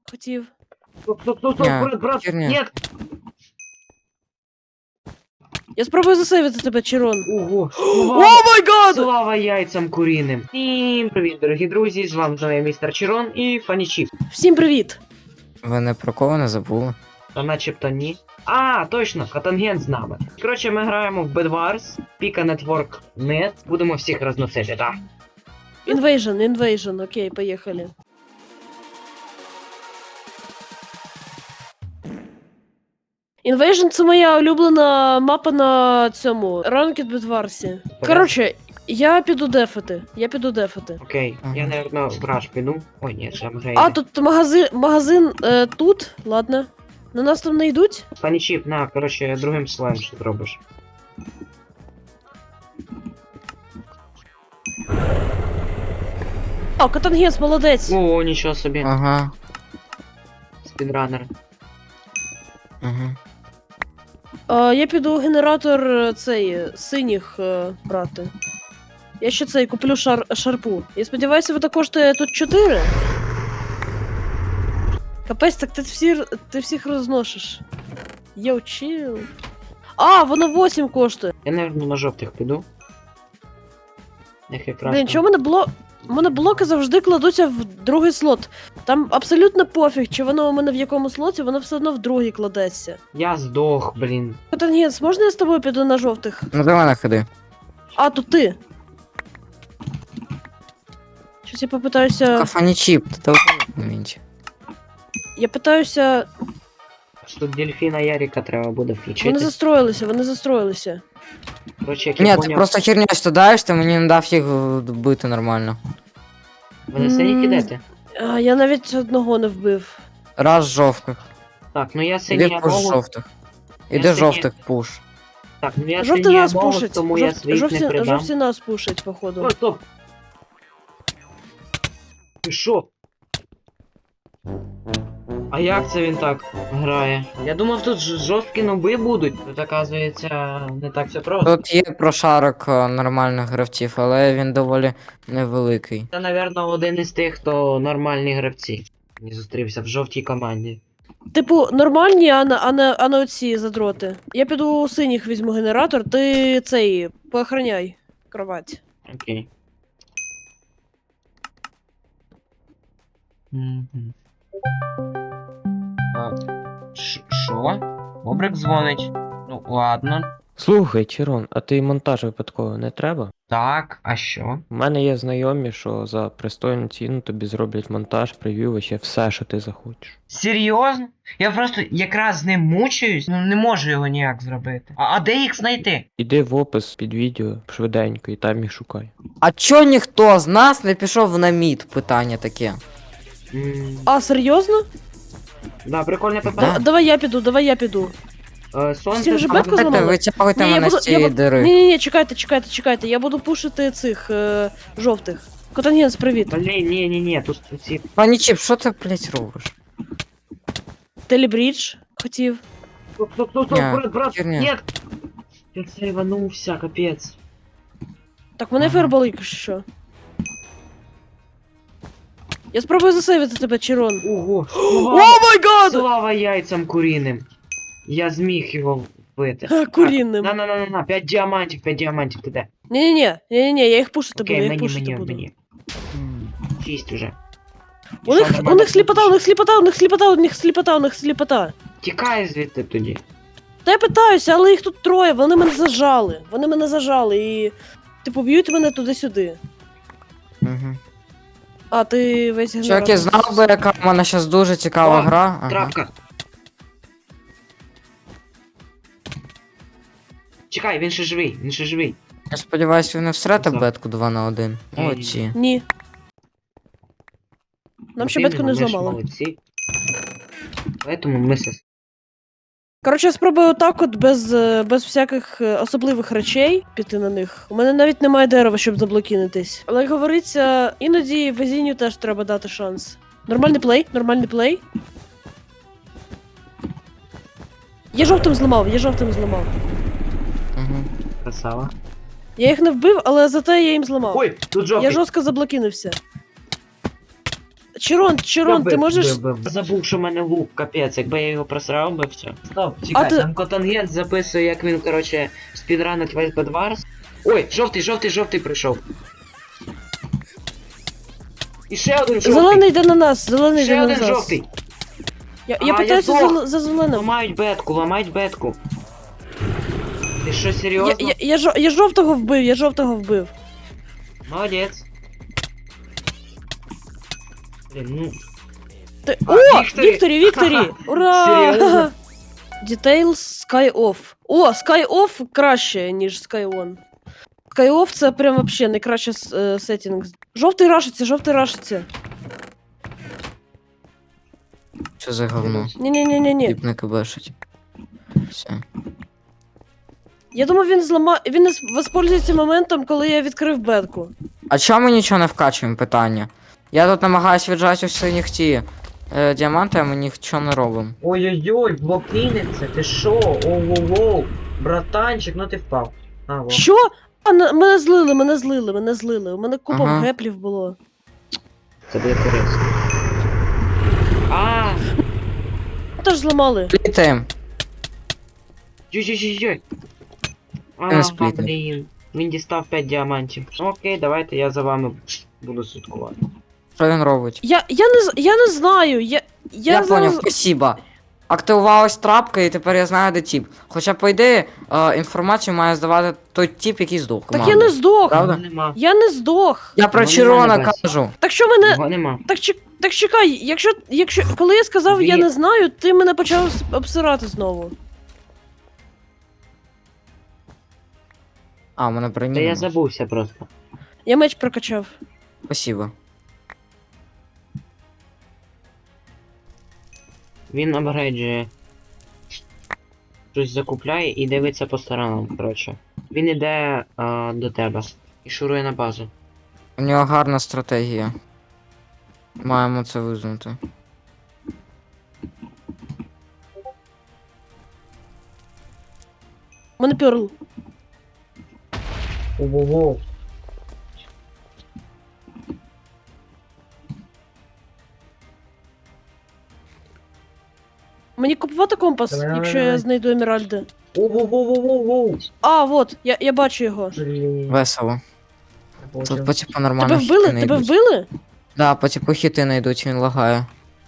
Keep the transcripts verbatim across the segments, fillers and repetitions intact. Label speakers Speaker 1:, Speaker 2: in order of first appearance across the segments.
Speaker 1: хотів.
Speaker 2: Стоп, стоп, стоп, стоп,
Speaker 3: Ня,
Speaker 2: брат, брат,
Speaker 3: херня.
Speaker 2: нет!
Speaker 1: Я спробую засейвити тебе, Чирон.
Speaker 2: Ого,
Speaker 1: О
Speaker 2: слава,
Speaker 1: май гад!
Speaker 2: слава яйцям куріним. Всім привіт, дорогі друзі, з вами знову я, містер Чирон і Фанічіп.
Speaker 1: Всім привіт!
Speaker 3: Ви не про кого не забули?
Speaker 2: Та начебто ні. А, точно, Катанген з нами. Коротше, ми граємо в Bedwars, Pika Network Net. Будемо всіх розносити, так?
Speaker 1: Invasion, Invasion, окей, поїхали. Invasion — це моя улюблена мапа на цьому Ranked Bedwars. Коротше, я піду дефати. Я піду дефати.
Speaker 2: Окей,
Speaker 3: Ага.
Speaker 2: я, напевно, в раш піду. Ой, ні, ще вже
Speaker 1: А,
Speaker 2: йде.
Speaker 1: тут магазин, магазин е, тут, ладно. На нас там не йдуть?
Speaker 2: Фанічіп, на, коротше, другим слоєм що зробиш.
Speaker 1: О, Катангенс, молодець.
Speaker 2: О, нічого собі.
Speaker 3: Ага.
Speaker 2: Спідранер.
Speaker 3: Ага.
Speaker 1: А, я піду генератор е, цей е, синіх е, брати. Я ще цей куплю шар, шарпу. Я сподіваюся, ви також коштує тут чотири. Капець, так ти, всі, ти всіх розносиш. Йоу, чил. А, воно вісім коштує.
Speaker 2: Я, напевно, на жовтих піду. Їх якраз.
Speaker 1: Блін,
Speaker 2: там.
Speaker 1: чому мене бло... У мене блоки завжди кладуться в другий слот. Там абсолютно пофіг, чи воно у мене в якому слоті, воно все одно в другий кладеться.
Speaker 2: Я здох, блін.
Speaker 1: Катангенс, можна я з тобою піду на жовтих?
Speaker 3: Ну давай на ходи.
Speaker 1: А, тут ти. Щось я попитаюся.
Speaker 3: Кафані чіп, ти довго менше.
Speaker 1: Я питаюся.
Speaker 2: Тут дельфіна Яріка треба буде
Speaker 1: Вони
Speaker 2: включити.
Speaker 1: застроїлися, вони застроїлися.
Speaker 2: Коротше, як я
Speaker 3: Ні, ти
Speaker 2: поняв,
Speaker 3: просто херню стадаєш, ти мені не дав їх вбити нормально.
Speaker 2: ви на синій
Speaker 1: М.
Speaker 2: ідете?
Speaker 1: А, я навіть одного не вбив.
Speaker 3: Раз жовтих.
Speaker 2: Так, ну я синій
Speaker 3: Іди пуш
Speaker 2: амолос.
Speaker 3: жовтих.
Speaker 2: Я
Speaker 3: Іди
Speaker 2: синій-
Speaker 3: жовтих пуш.
Speaker 2: Так, ну я
Speaker 1: Жовті
Speaker 2: синій
Speaker 1: нас
Speaker 2: амолос,
Speaker 1: пушать.
Speaker 2: тому я
Speaker 1: Жовт-
Speaker 2: своїх
Speaker 1: жовті,
Speaker 2: не придам.
Speaker 1: жовті нас пушать, походу.
Speaker 2: Ой, стоп! Ти що? А як це він так грає? Я думав, тут ж- жорсткі ноби будуть. Тут, оказується, не так все просто.
Speaker 3: Тут є прошарок е, нормальних гравців, але він доволі невеликий.
Speaker 2: Це, напевно, один із тих, хто нормальні гравці. Не зустрівся в жовтій команді.
Speaker 1: Типу, нормальні, а не, а не, а не оці задроти. Я піду у синіх візьму генератор, ти цей, поохраняй кровать.
Speaker 2: Окей. Мгм. А, ш- Що? Бобрик дзвонить. Ну, ладно.
Speaker 4: Слухай, Чирон, а ти монтаж випадково не треба?
Speaker 2: Так, а що?
Speaker 4: У мене є знайомі, що за пристойну ціну тобі зроблять монтаж, прев'ю, ще все, що ти захочеш.
Speaker 2: Серйозно? Я просто якраз з ним мучаюсь, ну не можу його ніяк зробити. А, а де їх знайти?
Speaker 4: Іди в опис під відео швиденько і там їх шукай.
Speaker 3: А чо ніхто з нас не пішов на мід? Питання таке.
Speaker 2: М,
Speaker 1: А, серйозно?
Speaker 2: Да, прикольне
Speaker 3: Да.
Speaker 2: питання.
Speaker 1: А, давай я піду, давай я піду.
Speaker 2: Е,
Speaker 1: Всі
Speaker 2: Сонце
Speaker 1: вже
Speaker 2: там-
Speaker 1: бетку
Speaker 3: Давайте,
Speaker 1: зламали?
Speaker 3: витягуйте
Speaker 1: Ні, я
Speaker 3: мене
Speaker 1: буду-
Speaker 3: з цієї
Speaker 1: я бу-
Speaker 3: дири.
Speaker 1: Ні, ні, ні, чекайте, чекайте, чекайте. Я буду пушити цих е, жовтих. Котангенс, привіт.
Speaker 2: Блін, ні, ні, ні, тут ці.
Speaker 3: Пані Чіп, що ти, блять, робиш?
Speaker 1: Телебрідж хотів.
Speaker 2: Стоп, стоп, стоп, стоп,
Speaker 3: Ня,
Speaker 2: брат, брат,
Speaker 3: херня.
Speaker 2: нет! Я це рванувся, капець.
Speaker 1: Так, мене
Speaker 3: Ага.
Speaker 1: фаербол, якщо що. Я спробую засейвити тебе, Чирон.
Speaker 2: Ого,
Speaker 1: О
Speaker 2: слава,
Speaker 1: май гад!
Speaker 2: слава яйцям куріним. Я зміг його вбити.
Speaker 1: Ха, курінним.
Speaker 2: На, на, на, на, на, п'ять діамантів, п'ять діамантів, ти де?
Speaker 1: Ні-ні-ні, ні-ні-ні, я їх пушити буду, я
Speaker 2: Окей,
Speaker 1: їх
Speaker 2: мені,
Speaker 1: пушити
Speaker 2: мені,
Speaker 1: буду.
Speaker 2: мені. Шість уже.
Speaker 1: У
Speaker 2: Що,
Speaker 1: них, у
Speaker 2: нормально
Speaker 1: них сліпота, у
Speaker 2: пушиш?
Speaker 1: них сліпота, у них сліпота, у них сліпота, у них сліпота.
Speaker 2: Тікай звідти тоді.
Speaker 1: Та я питаюся, але їх тут троє, вони мене зажали. Вони мене зажали і. Типу, б'ють мене туди-сюди.
Speaker 3: Угу.
Speaker 1: А, ти весь генератор.
Speaker 3: Чуваки, знав би, яка в мене зараз дуже цікава
Speaker 2: О,
Speaker 3: гра. Ага.
Speaker 2: Трапка. Чекай, він ще живий, він ще живий.
Speaker 3: Я сподіваюся, ви не всрете
Speaker 2: Все.
Speaker 3: бетку два на один.
Speaker 2: Ні-ні-ні.
Speaker 3: Оці.
Speaker 1: Ні. Нам ще
Speaker 2: От
Speaker 1: бетку не
Speaker 2: іменно, ми ж
Speaker 1: зламали.
Speaker 2: молодці. Поэтому ми се...
Speaker 1: Коротше, я спробую отак от без, е, без всяких е, особливих речей піти на них. У мене навіть немає дерева, щоб заблокінитись. Але як говориться, іноді везінню теж треба дати шанс. Нормальний плей, нормальний плей. Я жовтим зламав, я жовтим зламав.
Speaker 3: Угу.
Speaker 2: Красава.
Speaker 1: Я їх не вбив, але зате я їм зламав.
Speaker 2: Ой, тут жовтий.
Speaker 1: Я жорстко заблокінився. Чирон, Чирон, ти
Speaker 2: Бив,
Speaker 1: можеш.
Speaker 2: бив, бив. Забув, що в мене лук, капець, якби я його просрав би все. Стоп, чекай,
Speaker 1: ти-
Speaker 2: там Котангент записує, як він, короче, спідранить весь Бедварс. Ой, жовтий, жовтий, жовтий прийшов. І ще один жовтий.
Speaker 1: Зелений йде на нас, зелений йде
Speaker 2: Ще
Speaker 1: на
Speaker 2: один
Speaker 1: нас.
Speaker 2: жовтий.
Speaker 1: Я,
Speaker 2: А,
Speaker 1: я
Speaker 2: я
Speaker 1: питаюся
Speaker 2: здох.
Speaker 1: за, за зеленим.
Speaker 2: Ламають бетку, ламають бетку. Ти що,
Speaker 1: Я,
Speaker 2: серйозно?
Speaker 1: я, я, жо- я жовтого вбив, я жовтого вбив.
Speaker 2: Молодець. Блін, ну...
Speaker 1: Ти...
Speaker 2: А,
Speaker 1: О!
Speaker 2: Вікторі!
Speaker 1: Вікторі, Вікторі! Ура!
Speaker 2: Серйозно?
Speaker 1: Details Sky Off. О, Sky Off краще, ніж Sky On. Sky Off це прям вообще найкраще е, сеттінг. Жовтий рашиться, жовтий рашиться.
Speaker 3: Що за говно?
Speaker 1: Ні-ні-ні-ні-ні.
Speaker 3: Тіп не кибешить. Все.
Speaker 1: Я думав, він злама... Він не с- воспользується моментом, коли я відкрив бетку.
Speaker 3: А чому ми нічого не вкачуємо, питання? Я тут намагаюсь віджати усі нігті е, діаманти, а ми нічого не робимо.
Speaker 2: Ой-ой-ой, блокинеться, ти шо? Оу-оу-оу. Братанчик, ну ти впав. А, во.
Speaker 1: Що? А, на- мене злили, мене злили, мене злили. У мене купа
Speaker 3: Ага.
Speaker 1: геплів було.
Speaker 2: Це буде корисно. А,
Speaker 1: Теж зламали.
Speaker 3: Плітаємо.
Speaker 2: Йой-йой-йой.
Speaker 3: не
Speaker 2: А,
Speaker 3: сплітне.
Speaker 2: блін. Він дістав п'ять діамантів. Окей, давайте я за вами буду слідкувати.
Speaker 3: Що він робить?
Speaker 1: Я, я, не, з- я не знаю, я... Я,
Speaker 3: Я, поняв,
Speaker 1: зараз...
Speaker 3: спасибо. Активувалась трапка, і тепер я знаю, де тіп. Хоча, по ідеї, е, інформацію має здавати той тіп, який здох.
Speaker 1: Так я
Speaker 3: команди.
Speaker 1: не здох.
Speaker 3: Правда?
Speaker 2: Його нема.
Speaker 1: Я не здох.
Speaker 3: Я про
Speaker 2: Вони
Speaker 3: Чирона
Speaker 2: мене
Speaker 3: кажу.
Speaker 1: Так що мене...
Speaker 2: Його нема.
Speaker 1: Так, чек... так чекай, якщо, якщо... Коли я сказав, я
Speaker 2: Він-
Speaker 1: не знаю, ти мене почав с- обсирати знову.
Speaker 3: А, у мене
Speaker 2: Та
Speaker 3: броні.
Speaker 2: я
Speaker 3: нема.
Speaker 2: забувся просто.
Speaker 1: Я меч прокачав.
Speaker 3: Спасибо.
Speaker 2: Він апгрейджує. Щось закупляє і дивиться по сторонам, коротше. Він іде а, до тебе і шурує на базу.
Speaker 3: У нього гарна стратегія. Маємо це визнати.
Speaker 1: У мене перл.
Speaker 2: Ого-го.
Speaker 1: Мені купувати компас,
Speaker 2: Давай, давай,
Speaker 1: якщо я
Speaker 2: давай.
Speaker 1: знайду емеральди.
Speaker 2: Ого-го-го-го-го.
Speaker 1: А, вот, я, я бачу його.
Speaker 2: Блін.
Speaker 3: Весело. Тут по типу нормально
Speaker 1: Тебе вбили?
Speaker 3: хіти
Speaker 1: Тебе
Speaker 3: найдуть.
Speaker 1: вбили?
Speaker 3: Да, по типу хіти найдуть, він лагає.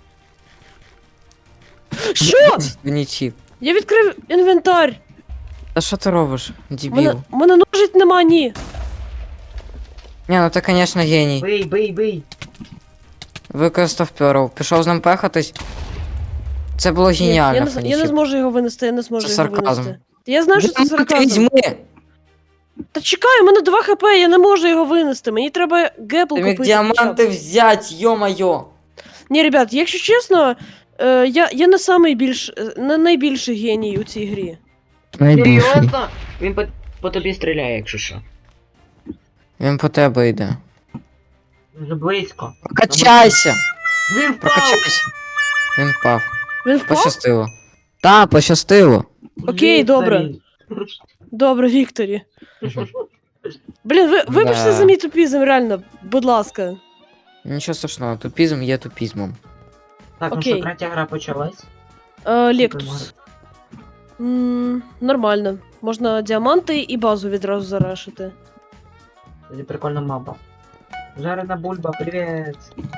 Speaker 1: Що?
Speaker 3: Мені чіп.
Speaker 1: Я відкрив інвентар.
Speaker 3: Та що ти робиш,
Speaker 1: У
Speaker 3: дебіл?
Speaker 1: мене, у мене ножить нема, ні.
Speaker 3: Ні, ну ти, конечно, геній.
Speaker 2: Бий, бий, бий.
Speaker 3: Використав перл. Пішов з ним пехатись. Це було
Speaker 1: Ні,
Speaker 3: геніально,
Speaker 1: я, не, з- я не
Speaker 3: Фенічіп.
Speaker 1: зможу його винести, я не зможу
Speaker 3: Це
Speaker 1: його
Speaker 3: сарказм.
Speaker 1: винести. Я знаю, що це
Speaker 3: Діаманти
Speaker 1: сарказм.
Speaker 3: візьми!
Speaker 1: Та чекай, у мене два хп, я не можу його винести. Мені треба гепл
Speaker 3: Ти міг
Speaker 1: купити.
Speaker 3: діаманти
Speaker 1: хоча б.
Speaker 3: взять, йо-майо!
Speaker 1: Ні, ребят, якщо чесно, е, я, я не самий більш, е, не найбільший геній у цій грі.
Speaker 2: Серйозно? Він по, по тобі стріляє, якщо що.
Speaker 3: Він по тебе йде.
Speaker 2: Дуже близько.
Speaker 3: Прокачайся!
Speaker 2: Він впав!
Speaker 3: Прокачайся! Він впав.
Speaker 1: Він впав?
Speaker 3: Пощастило. Та, пощастило.
Speaker 1: Окей, добре.
Speaker 2: Вікторі.
Speaker 1: Добре, Вікторі. Блін, ви, вибачте
Speaker 3: Да.
Speaker 1: за мій тупізм, реально, будь ласка.
Speaker 3: Нічого страшного, тупізм є тупізмом.
Speaker 2: Так, ну
Speaker 1: Окей.
Speaker 2: що, третя гра почалась.
Speaker 1: Е, Лектус. М, Нормально. Можна діаманти і базу відразу зарашити.
Speaker 2: Тоді прикольна мапа. Жарена бульба, привіт!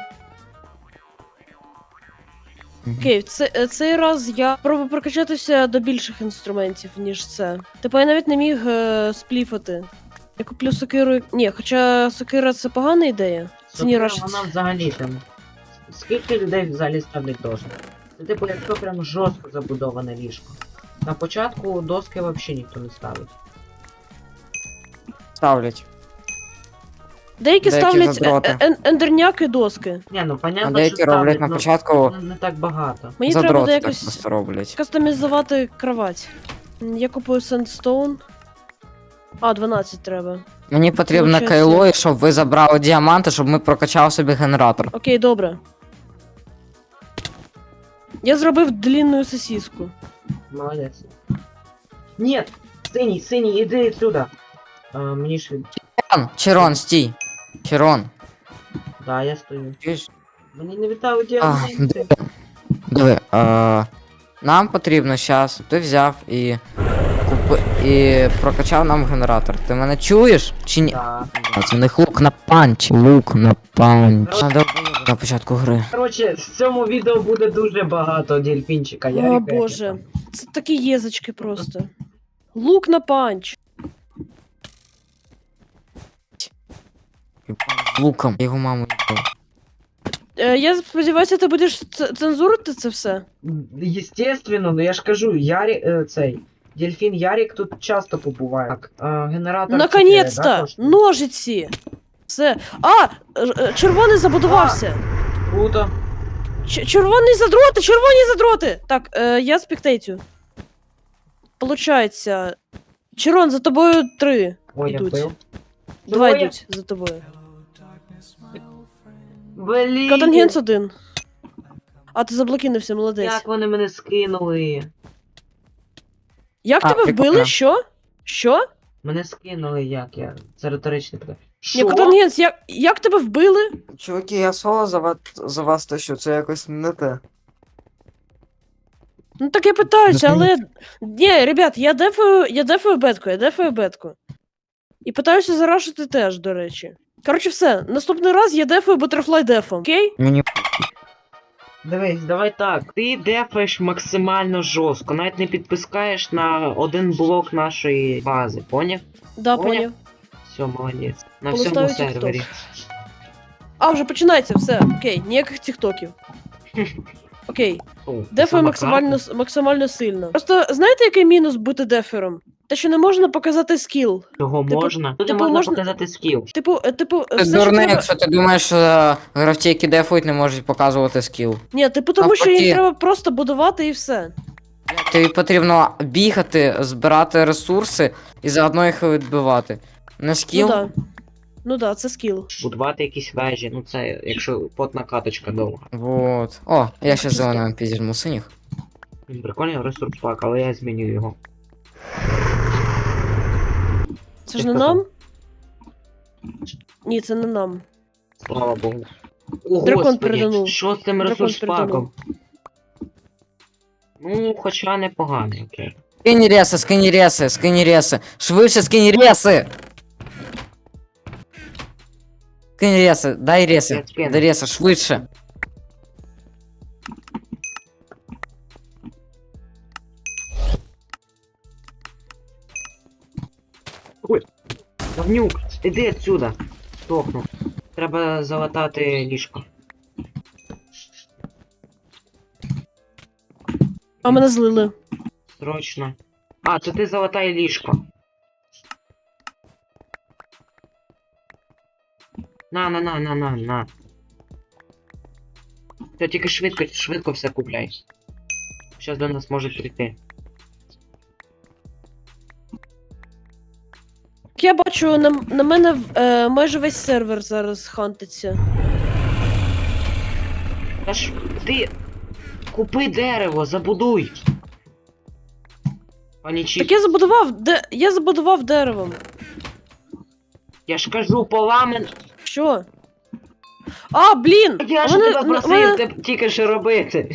Speaker 1: Окей, це, е, цей раз я пробую прокачатися до більших інструментів, ніж це. Типу я навіть не міг е, спліфати. Я куплю сокиру. Ні, хоча сокира це погана ідея. Це не
Speaker 2: Сокира,
Speaker 1: рашиться.
Speaker 2: вона взагалі там. Скільки людей взагалі ставлять дошки? Це типу, якщо прям жорстко забудоване ліжко. На початку доски взагалі ніхто не ставить.
Speaker 3: Ставлять.
Speaker 1: Деякі,
Speaker 3: деякі
Speaker 1: ставлять
Speaker 3: задроти.
Speaker 1: е- е- ендерняки доски.
Speaker 2: Ні, ну
Speaker 3: А
Speaker 2: понятно,
Speaker 3: деякі
Speaker 2: що
Speaker 3: роблять
Speaker 2: ставлять,
Speaker 3: на
Speaker 2: ну,
Speaker 3: початку
Speaker 2: ну, не так багато.
Speaker 1: Мені треба
Speaker 3: задроти
Speaker 1: буде
Speaker 3: так
Speaker 1: якось
Speaker 3: просто роблять.
Speaker 1: кастомізувати кровать. М, Я купую сендстоун. А, дванадцять треба.
Speaker 3: Мені потрібно
Speaker 1: Получається-
Speaker 3: кайло, і щоб ви забрали діаманти, щоб ми прокачали собі генератор.
Speaker 1: Окей, добре. Я зробив длинну сосиску.
Speaker 2: Молодець. Ні! Синій, синій, іди сюди. А, мені ж від...
Speaker 3: Чирон, Чирон, стій. Чирон.
Speaker 2: Да, я стою.
Speaker 3: Чуєш?
Speaker 2: Мені не вітали
Speaker 3: А,
Speaker 2: діаманти.
Speaker 3: Диви, а, нам потрібно зараз, ти взяв і купи, і прокачав нам генератор. Ти мене чуєш? Чи ні?
Speaker 2: Так.
Speaker 3: А це не лук на панч. Лук на панч. Надо на початку гри.
Speaker 2: Коротше, в цьому відео буде дуже багато дельфінчика. Я
Speaker 1: О боже, це такі єзочки просто. Лук на панч.
Speaker 3: З луком. Я його маму їбав.
Speaker 1: Е, я сподіваюся, ти будеш ц- цензурити це все.
Speaker 2: Єстественно, ну я ж кажу, Ярі, е, цей. Дельфін Ярік тут часто побуває. Так, е, генератор.
Speaker 1: Наконець-то!
Speaker 2: чотири, да, коштує?
Speaker 1: Ножиці! Все. А! Ж- е, Червоний забудувався!
Speaker 2: Круто.
Speaker 1: Ч- червоний задроти! Червоні задроти! Так, е, я спектейтю. Получається. Червон, за тобою три.
Speaker 2: Ой, я
Speaker 1: Ідуть.
Speaker 2: вбив.
Speaker 1: Два
Speaker 2: Двоє?
Speaker 1: йдуть за тобою.
Speaker 2: Блін.
Speaker 1: Катангенс один. А ти заблокінився, молодець.
Speaker 2: Як вони мене скинули?
Speaker 1: Як
Speaker 3: А,
Speaker 1: тебе
Speaker 3: прикольно.
Speaker 1: вбили? Що? Що?
Speaker 2: Мене скинули як я? Це риторичне питання.
Speaker 1: Ні,
Speaker 2: Що?
Speaker 1: Катангенс, як, як тебе вбили?
Speaker 3: Чуваки, я соло за вас, за вас тащу, це якось не те.
Speaker 1: Ну так я питаюся,
Speaker 3: Ну,
Speaker 1: але. Ні, ребят, я дефаю, я дефаю бетку, я дефаю бетку. І питаюся зарашити теж, до речі. Коротше, все, наступний раз я дефаю Butterfly дефом, окей?
Speaker 3: Мені
Speaker 2: Дивись, давай так. Ти дефаєш максимально жорстко, навіть не підпускаєш на один блок нашої бази, поняв?
Speaker 1: Да,
Speaker 2: Поняв?
Speaker 1: поняв.
Speaker 2: Все, молодець. На
Speaker 1: Полистаю
Speaker 2: всьому
Speaker 1: TikTok.
Speaker 2: сервері.
Speaker 1: А, вже починається, все, окей, ніяких тіктоків. Окей,
Speaker 2: О,
Speaker 1: дефаю
Speaker 2: сама
Speaker 1: максимально,
Speaker 2: карта.
Speaker 1: с- максимально сильно. Просто знаєте, який мінус бути дефером? Те, що не можна показати скіл.
Speaker 2: Чого
Speaker 1: типу-
Speaker 2: можна? Тут
Speaker 1: типу,
Speaker 2: можна
Speaker 1: можна-
Speaker 2: показати скіл.
Speaker 1: Типу, е, типу,
Speaker 3: Ти
Speaker 1: все, що
Speaker 3: дурний,
Speaker 1: треба...
Speaker 3: якщо ти думаєш, що гравці, які дефують, не можуть показувати скіл.
Speaker 1: Ні, типу, тому що
Speaker 3: Навпаки.
Speaker 1: їм треба просто будувати і все.
Speaker 3: Тобі потрібно бігати, збирати ресурси і заодно їх відбивати. Не скіл.
Speaker 1: Ну да. Ну да, це скіл.
Speaker 2: Будувати якісь вежі, ну це якщо потна каточка довга.
Speaker 3: Вот. О, я ще
Speaker 1: Чисто.
Speaker 3: зеленим підізьму синіх.
Speaker 2: Він прикольний ресурс пак, але я зміню його.
Speaker 1: Це
Speaker 2: Ти
Speaker 1: ж не
Speaker 2: сказав.
Speaker 1: нам? Ні, це не нам.
Speaker 2: Слава Богу. О,
Speaker 1: Дракон
Speaker 2: Господи,
Speaker 1: переданув.
Speaker 2: що з цим
Speaker 1: Дракон
Speaker 2: ресурс
Speaker 1: переданув.
Speaker 2: паком? Ну, хоча непоганий, окей.
Speaker 3: Скині реси, скині реси, скині реси. Швидше скині реси! Скині реси, дай
Speaker 2: Я
Speaker 3: реси.
Speaker 2: скину.
Speaker 3: Дай реси, швидше.
Speaker 2: Говнюк, іди отсюда. Стохну. Треба залатати ліжко.
Speaker 1: А мене злили.
Speaker 2: Срочно. А, то ти залатай ліжко. На, на, на, на, на, на. Все, тільки швидко, швидко все купляй. Зараз до нас можуть прийти.
Speaker 1: Я бачу, на, на мене е, майже весь сервер зараз хантиться.
Speaker 2: Та ж ти купи дерево, забудуй. Пані Чіп,
Speaker 1: Так я забудував, де. Я забудував деревом.
Speaker 2: я ж кажу, поламен.
Speaker 1: Що? А, блін!
Speaker 2: Я
Speaker 1: а
Speaker 2: ж
Speaker 1: мене-
Speaker 2: тебе
Speaker 1: мене-
Speaker 2: просив
Speaker 1: мене-
Speaker 2: тебе тільки що робити.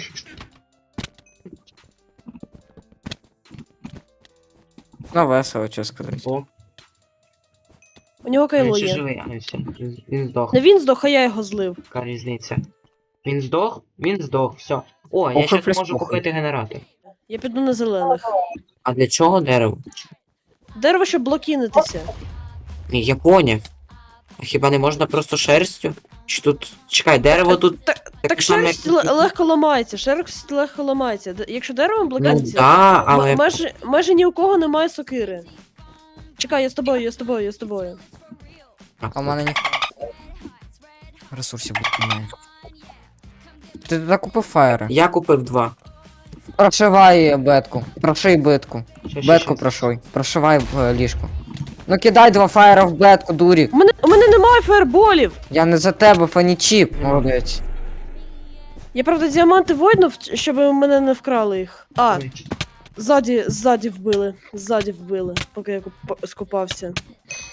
Speaker 3: Ну, весело, що сказати.
Speaker 2: О,
Speaker 1: У нього
Speaker 2: він
Speaker 1: кайло
Speaker 2: ще
Speaker 1: є.
Speaker 2: живий, а все, він, він здох.
Speaker 1: Не він здох, а я його злив.
Speaker 2: Яка різниця? Він здох? Він здох, все. О, я
Speaker 3: Похуй
Speaker 2: щас
Speaker 3: плюс
Speaker 2: можу
Speaker 3: похуй.
Speaker 2: купити генератор.
Speaker 1: Я піду на зелених.
Speaker 5: А для чого дерево?
Speaker 1: Дерево, щоб блокінитися.
Speaker 5: Ні, я поняв. А хіба не можна просто шерстю? Чи тут. Чекай, дерево тут.
Speaker 1: Так,
Speaker 5: таке
Speaker 1: так
Speaker 5: саме,
Speaker 1: шерсть
Speaker 5: як-
Speaker 1: ле- легко ламається, шерсть легко ламається. Д- Якщо деревом
Speaker 5: Ну
Speaker 1: блокіниться,
Speaker 5: да,
Speaker 1: м-
Speaker 5: але.
Speaker 1: майже, майже ні у кого немає сокири. Чекай, я з тобою, я з тобою, я з тобою.
Speaker 3: А в мене ніхто ресурсів немає. Ти туди купив фаєри?
Speaker 5: Я купив два.
Speaker 3: Прошивай бетку. Проший бетку.
Speaker 2: Ще, ще,
Speaker 3: Бетку
Speaker 2: ще.
Speaker 3: прошуй. Прошивай в е, ліжко. Ну кидай два фаєра в бетку, дурік.
Speaker 1: У мене, у мене немає фаерболів!
Speaker 3: Я не за тебе, фанічіп. Молодець.
Speaker 1: Я правда діаманти войнув, щоб мене не вкрали їх. А,
Speaker 2: Ой.
Speaker 1: ззаді, ззаді вбили. Ззаді вбили, поки я куп- скупався.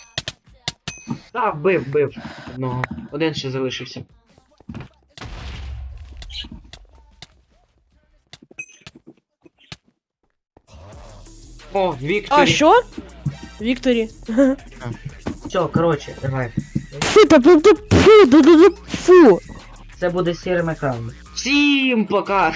Speaker 2: Та, вбив, вбив одного. Один ще залишився. О, Вікторі.
Speaker 1: А що? Вікторі.
Speaker 2: Все, коротше, давай.
Speaker 1: Фу, та фу, та фу, да, да, да, фу.
Speaker 2: Це буде сірим екраном. Всім пока!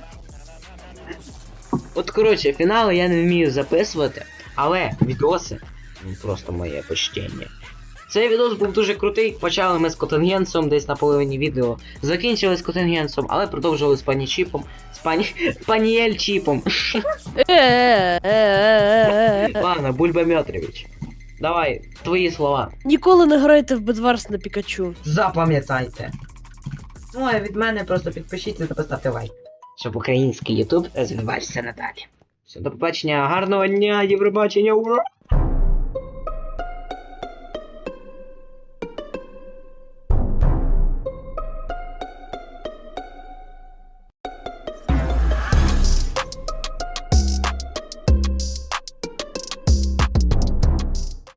Speaker 2: От коротше, фінали я не вмію записувати, але відоси, ну просто моє почтення. Цей відос був дуже крутий. Почали ми з Котенгенсом десь на половині відео. Закінчили з Котенгенсом, але продовжили з пані Чіпом. З пані. Паніель Чіпом.
Speaker 1: Е-е-е-е-е.
Speaker 2: Ладно, Бульба Мьотрович. Давай, твої слова.
Speaker 1: Ніколи не грайте в Бедварс на Пікачу.
Speaker 2: Запам'ятайте. Ну а від мене просто підпишіться та поставте лайк. Щоб український ютуб розвивався надалі. Все, до побачення, гарного дня, Євробачення, ура!